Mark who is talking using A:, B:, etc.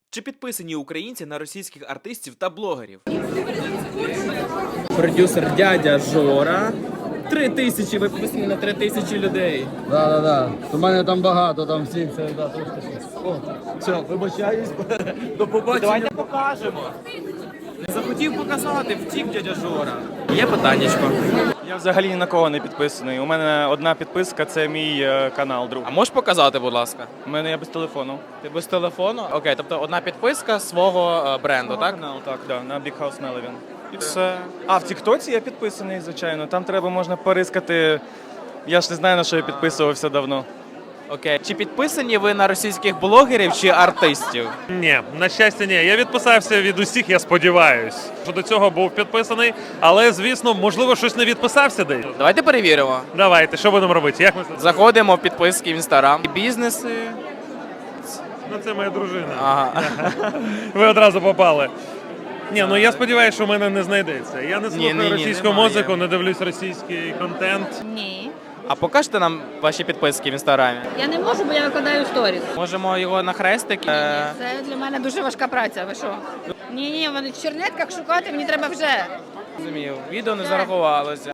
A: Чи підписані українці на російських артистів та блогерів?
B: Продюсер дядя Жора. 3000, ви підписані на 3000 людей.
C: Да. У мене там багато, там всі це трошки. О, все, вибачаюсь. До побачення.
B: Давайте покажемо. Не захотів показати, втік дядя Жора. Є питаннячко.
D: Я взагалі ні на кого не підписаний. У мене одна підписка – це мій канал, друг.
B: А можеш показати, будь ласка?
D: У мене я без телефону.
B: Ти без телефону? Окей, тобто одна підписка свого бренду, так?
D: Канал, так, да, на Big House Melvin. І все. А в Тіктоці я підписаний, звичайно. Там можна порискати. Я ж не знаю, на що я підписувався давно.
B: Окей. Чи підписані ви на російських блогерів чи артистів?
E: Ні, на щастя, ні. Я відписався від усіх, я сподіваюсь. Що до цього був підписаний, але, звісно, можливо, щось не відписався десь.
B: Давайте перевіримо.
E: Давайте, що будемо робити? Як ми це?
B: Заходимо в підписки в Інстаграм. Бізнеси.
E: Ну, це моя дружина.
B: Ага.
E: Ви одразу попали. Ні, ну я сподіваюся, що в мене не знайдеться. Я не слухаю
B: Ні,
E: російську
B: немає.
E: музику, не дивлюсь російський контент.
F: Ні.
B: А покажете нам ваші підписки в Інстаграмі?
F: Я не можу, бо я викладаю сторіс.
B: Можемо його на хрестик?
F: Це для мене дуже важка праця. Ви що? Ні, в чернетках шукати мені треба вже.
B: Розумію. Відео не зарахувалося.